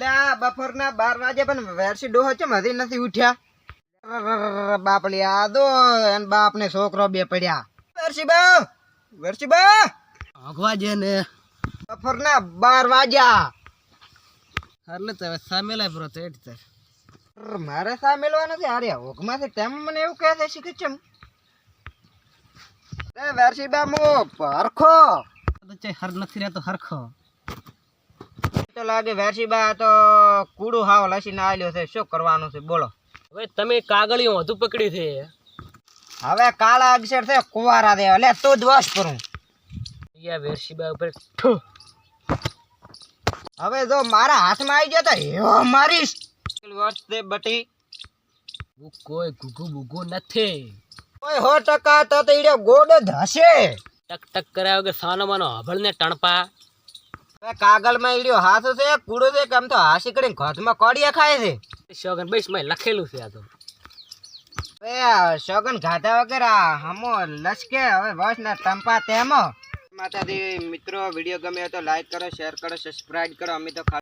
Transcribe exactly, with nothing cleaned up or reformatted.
અલ્યા બપોરના બાર વાગે પણ વેરસી ડોહો ચમ હજી નથી ઉઠ્યા બાપલી આ દો એન બાપ ને છોકરો બે પડ્યા વેરસી બા વેરસી બા આગવા જે ને બપોરના બાર વાગ્યા એટલે તો સામેલા બરો તો એટલે મારે સા મેલવા નથી અરે હોકમાંથી તેમ મને એવું કહે છે શીખે ચમ એ વેરસી બા મો હરખો તો ચે હર નથી રહેતો હરખો તો લાગે વેરસી બા તો કૂડું હાવ લસીને આલ્યો છે શું કરવાનું છે બોલો હવે તમે કાગળિયો વધુ પકડી છે હવે કાળા અક્ષર છે કુવારા દે એટલે તું જ વશ કરું યા વેરશીબા ઉપર ઠો. હવે જો મારા હાથમાં આવી ગયો તો હેવો મારીશ વર્ષ દે બટી હું કોઈ ગુગુ બુગુ નથી કોઈ સો ટકા તો તો ઈડો ગોડ જ હશે ટક ટક કરાવ કે સાનો માનો હબળ ને ટણપા હવે કાગળમાં ઈડ્યો હાથ છે કૂડો છે કેમ તો હાસી કરીને ઘરમાં કોડિયા ખાય છે શોગન બસ મેં લખેલું છે આ તો હવે આ સોગન ગાધા વગર આ હમો લસકે હવે બસ ના ટંપા તેમ માતાજી મિત્રો વિડીયો ગમે તો લાઈક કરો શેર કરો સબસ્ક્રાઇબ કરો અમે તો